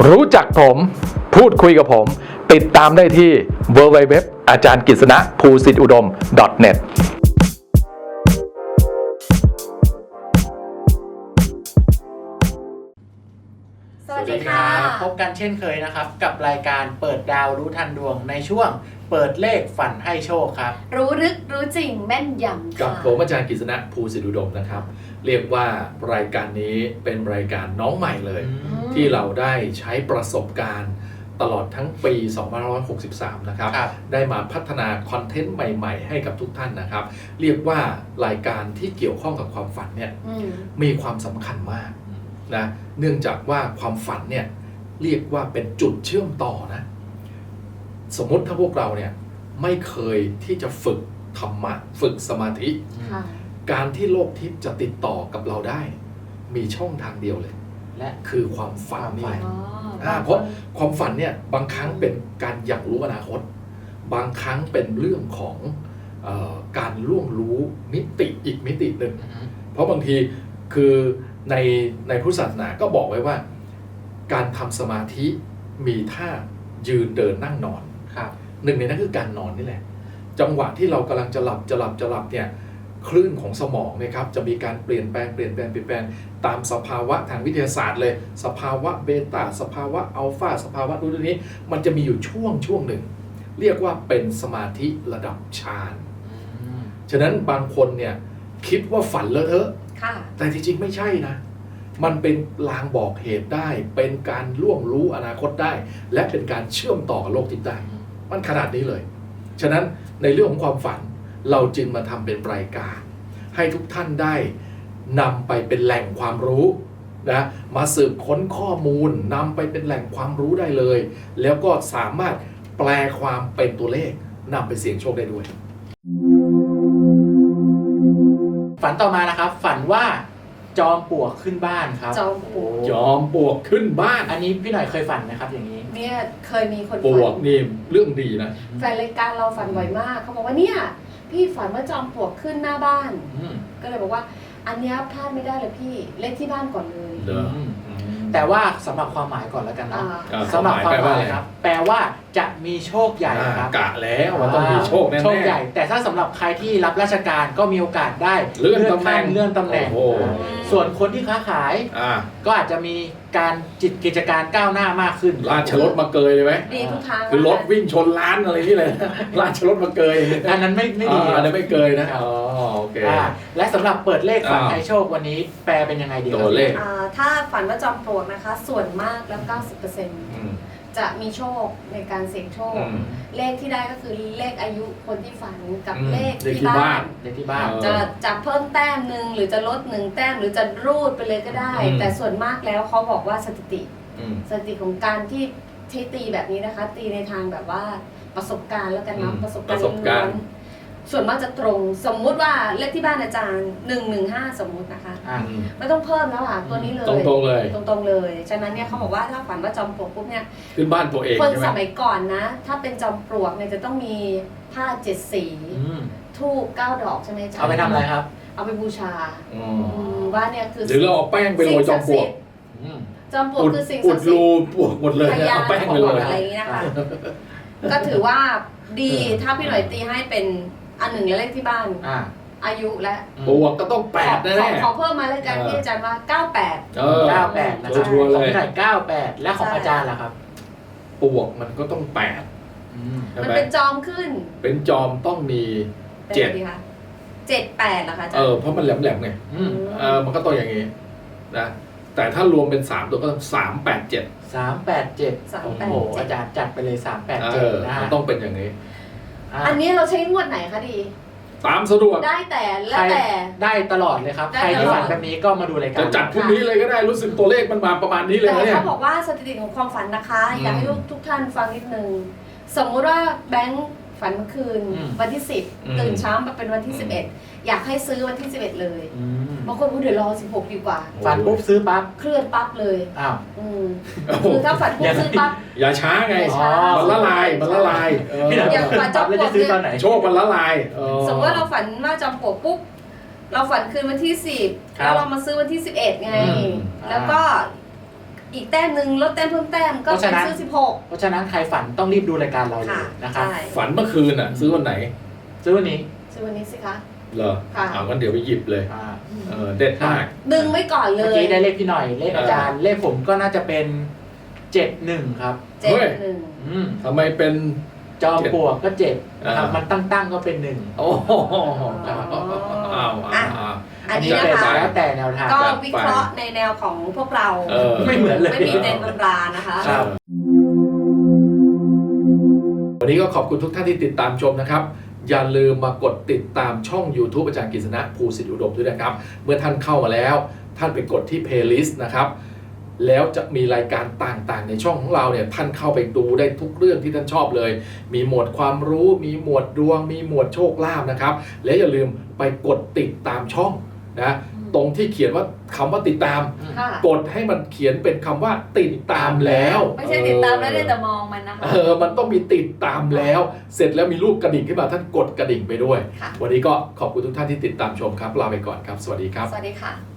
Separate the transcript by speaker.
Speaker 1: รู้จักผมพูดคุยกับผมติดตามได้ที่ www อาจารย์กฤษณะภูสิทธิอุดม .net
Speaker 2: สวัสดีค่ะพบกันเช่นเคยนะครับกับรายการเปิดดาวรู้ทันดวงในช่วงเปิดเลขฝันให้โชคครับ
Speaker 3: รู้ลึกรู้จริงแม่นยำ
Speaker 4: กับผมอาจารย์กฤษณะภูสิทธิอุดมนะครับเรียกว่ารายการนี้เป็นรายการน้องใหม่เลยที่เราได้ใช้ประสบการณ์ตลอดทั้งปี2563นะครับได้มาพัฒนาคอนเทนต์ใหม่ๆให้กับทุกท่านนะครับเรียกว่ารายการที่เกี่ยวข้องกับความฝันเนี่ยมีความสำคัญมากนะเนื่องจากว่าความฝันเนี่ยเรียกว่าเป็นจุดเชื่อมต่อนะสมมติถ้าพวกเราเนี่ยไม่เคยที่จะฝึกธรรมะฝึกสมาธิการที่โลกทิพย์จะติดต่อกับเราได้มีช่องทางเดียวเลยและคือความฝันนี่เพราะความฝันเนี่ยบางครั้งเป็นการอยากรู้อนาคตบางครั้งเป็นเรื่องของการล่วงรู้มิติอีกมิติหนึ่งเพราะบางทีคือในพุทธศาสนาก็บอกไว้ว่าการทำสมาธิมีท่ายืนเดินนั่งนอนหนึ่งในนั้นคือการนอนนี่แหละจังหวะที่เรากำลังจะหลับเนี่ยคลื่นของสมองนะครับจะมีการเปลี่ยนแปลงตามสภาวะทางวิทยาศาสตร์เลยสภาวะเบต้าสภาวะอัลฟาสภาวะนู้นนี้มันจะมีอยู่ช่วงหนึ่งเรียกว่าเป็นสมาธิระดับฌานฉะนั้นบางคนเนี่ยคิดว่าฝันเลอะเทอะแต่จริงๆไม่ใช่นะมันเป็นลางบอกเหตุได้เป็นการล่วงรู้อนาคตได้และเป็นการเชื่อมต่อกับโลกทิพย์ได้มันขนาดนี้เลยฉะนั้นในเรื่องของความฝันเราจึงมาทำเป็นรายการให้ทุกท่านได้นำไปเป็นแหล่งความรู้นะมาสืบค้นข้อมูลนำไปเป็นแหล่งความรู้ได้เลยแล้วก็สามารถแปลความเป็นตัวเลขนำไปเสี่ยงโชคได้ด้วย
Speaker 2: ฝันต่อมานะครับฝันว่าจอมปลวกขึ้นบ้านครับ
Speaker 3: จอม
Speaker 4: ปลวกขึ้นบ้าน
Speaker 2: อันนี้พี่หน่อยเคยฝันไหมครับอย่างนี้
Speaker 3: เนี่ยเคยมีคน
Speaker 4: ปลวกนี่เรื่องดีนะ
Speaker 3: แฟนรายการเราฝันบ่อยมากเขาบอกว่าเนี่ยพี่ฝันว่าจอมปลวกขึ้นหน้าบ้านก็เลยบอกว่าอันนี้พลาดไม่ได้เลยพี่เลขที่บ้านก่อนเลย
Speaker 2: แต่ว่าสำหรับความหมายก่อนแล้วกันนะสำหรับความหมายครับแปลว่าจะมีโชคใหญ่ครับ
Speaker 4: กะแล้วว่าต้องมีโชคแน่ๆ
Speaker 2: โชคใหญ่แต่ถ้าสำหรับใครที่รับราชการก็มีโอกาสได้เลื่อนตำแหน่งส่วนคนที่ค้าขายก็อาจจะมีการกิจการก้าวหน้ามากขึ้น
Speaker 4: ราชรถมาเกยเลยไหม
Speaker 3: ดีทุกทาง
Speaker 4: คือรถวิ่งชนร้านอะไรนี่เลยราชรถมาเกย
Speaker 2: อันนั้นไม่ดี
Speaker 4: อันนั้นไม่เกยนะโอเค
Speaker 2: และสำหรับเปิดเลขฝันให้โชควันนี้แปลเป็นยังไงดี
Speaker 4: ตัวเลข
Speaker 3: ถ้าฝันว่าจอมปลวกนะคะส่วนมากแล้ว 90%จะมีโชคในการเสี่ยงโชคเลขที่ได้ก็คือเลขอายุคนที่ฝันกับเลขที่บ้านจะเพิ่มแต้มหนึ่งหรือจะลด1แต้มหรือจะรูดไปเลยก็ได้แต่ส่วนมากแล้วเขาบอกว่าสถิติของการที่ใช้ตีแบบนี้นะคะตีในทางแบบว่าประสบการณ์แล้วกันเนาะประสบการณ์ส่วนมากจะตรงสมมุติว่าเลขที่บ้านอาจารย์115สมมุตินะคะไม่ต้องเพิ่มแล้วค่ะตัวนี้เลย
Speaker 4: ตรง
Speaker 3: เลยฉะนั้นเนี่ยเขาบอกว่าถ้าฝันว่าจอมปลวกปุ๊บเนี่ย
Speaker 4: ขึ้นบ้านตัวเอง
Speaker 3: คนสมัยก่อนนะถ้าเป็นจอมปลวกเนี่ยจะต้องมีผ้า7สีธูป9ดอกใช่ไหมจ๊ะ
Speaker 2: เอาไปทำอะไรครับ
Speaker 3: เอาไปบูชาว่าเนี่ยคือ
Speaker 4: หรือเราเอาแป้งไปโรยจอมปลวก
Speaker 3: จอมปลวกคือสิ่งศักดิ์สิทธิ์
Speaker 4: ปลวกหมดเลยเอาแป้งไปโรย
Speaker 3: อะไรอย่างนี้นะคะก็ถือว่าดีถ้าพี่หน่อยตีให้เป็นอันหนึ่งเลขที่บ้านอายุและ
Speaker 4: ปลวกก็ต้อง8แน่
Speaker 3: ๆขอเพิ่มมาเลยกันพี่อาจารย์ว่า98
Speaker 2: 98นะครับของพี่หน่อย98และของอาจารย์ล่ะครับ
Speaker 4: ปลวกมันก็ต้อง8
Speaker 3: มันเป็นจอมขึ้น
Speaker 4: เป็นจอมต้องมี7
Speaker 3: ค่ะ78เหรอคะอาจารย์
Speaker 4: เพราะมันแหลมๆไงมันก็ต้องอย่างงี้นะแต่ถ้ารวมเป็น3ตัวก็ต้อง
Speaker 2: 387โอ้โหอาจารย์จัดไปเลย387นะ
Speaker 4: ต้องเป็นอย่างนี้
Speaker 3: อันนี้เราใช้งวดไหนคะดี
Speaker 4: ตามสะดวก
Speaker 3: ได้แต่แล้วแต่
Speaker 2: ได้ตลอดเลยครับใครที่ฝันแบบนี้ก็มาดูรายการ
Speaker 4: จะจัดพรุ่งนี้เลยก็ได้รู้สึกตัวเลขมันมาประมาณนี้เลย
Speaker 3: เนี่ย
Speaker 4: แต่
Speaker 3: เขาบอกว่าสถิติของความฝันนะคะอยากให้ทุกท่านฟังนิดนึงสมมุติว่าแบงค์ฝันเมื่อคืนวันที่10ตื่นเช้ามาเป็นวันที่11อยากให้ซื้อวันที่11เลยบางคนพูดเดี๋ยวรอ16ดีกว่า
Speaker 2: ฝันปุ๊บซื้อปั๊บ
Speaker 3: เคลื่อนปั๊บเลย
Speaker 2: อ้าว
Speaker 3: คือถ้าฝันปุ๊บซื้อปั๊บ
Speaker 4: อย่าช้าไงมันละลาย
Speaker 3: อย่างฝันจอมปลวก
Speaker 4: โชคมันละลาย
Speaker 3: สมมติว่าเราฝันว่าจอมปลวกปุ๊บเราฝันคืนวันที่10แล้วเรามาซื้อวันที่11ไงแล้วก็อีกแต้มหนึ่งลดแต้มเพิ่มแต้มก็เป็นซื้อ16
Speaker 2: เพราะฉะนั้นใครฝันต้องรีบดูรายการเราเลยนะครับ
Speaker 3: ใช่
Speaker 4: ฝันเมื่อคืนอ่ะ ซื้อวันไหน
Speaker 2: ซื้อวันนี้
Speaker 3: ซื้อวันนี้สิคะ
Speaker 4: เหรอ
Speaker 3: ค่ะ
Speaker 4: งั้นเดี๋ยวไปหยิบเลย
Speaker 2: อ่า
Speaker 4: เด็ดมาก
Speaker 3: ดึงไว้ก่อนเล
Speaker 2: เมื่อย กี้ได้เลขพี่หน่อยเลขอาจารย์เลขผมก็น่าจะเป็น71ครับ
Speaker 3: เจ็ด
Speaker 4: เฮ้ย
Speaker 3: หนึ่ง
Speaker 4: ทำไมเป็น
Speaker 2: จอมปลวกก็7นะครับ
Speaker 4: อ่ามั
Speaker 2: มันตั้งก็เป็น1
Speaker 4: โอ้โหอ้าว
Speaker 3: อันนี้
Speaker 2: เป็
Speaker 3: นะคะ
Speaker 2: แล้วแต่แนวทาง
Speaker 3: ก็วิเคราะห์ในแนวของพวกเรา
Speaker 2: ไม่เหมือนเลย
Speaker 3: ไม่มีในตำรานะคะ
Speaker 2: ครับ
Speaker 4: วันนี้ก็ขอบคุณทุกท่านที่ติดตามชมนะครับ อย่าลืมมากดติดตามช่อง YouTube อาจารย์กฤษณะภูสิทธิอุดมด้วยนะครับ เมื่อท่านเข้ามาแล้ว ท่านไปกดที่ Playlist นะครับ แล้วจะมีรายการต่างๆ ในช่องของเราเนี่ยท่านเข้าไปดูได้ทุกเรื่องที่ท่านชอบเลย มีหมวดความรู้ มีหมวดดวง มีหมวดโชคลาภนะครับ และอย่าลืมไปกดติดตามช่องนะตรงที่เขียนว่าคำว่าติดตาม
Speaker 3: ค่ะ
Speaker 4: กดให้มันเขียนเป็นคำว่าติดตามแล้ว
Speaker 3: ไม่ใช่ติดตามแล้วได้แต่มองมันนะคะ
Speaker 4: มันต้องมีติดตามแล้ว เสร็จแล้วมีรูปกระดิ่งขึ้นมาท่านกดกระดิ่งไปด้วย
Speaker 3: ค่ะ
Speaker 4: วันนี้ก็ขอบคุณทุกท่านที่ติดตามชมครับลาไปก่อนครับ สวัสดีครับ
Speaker 3: สวัสดีค่ะ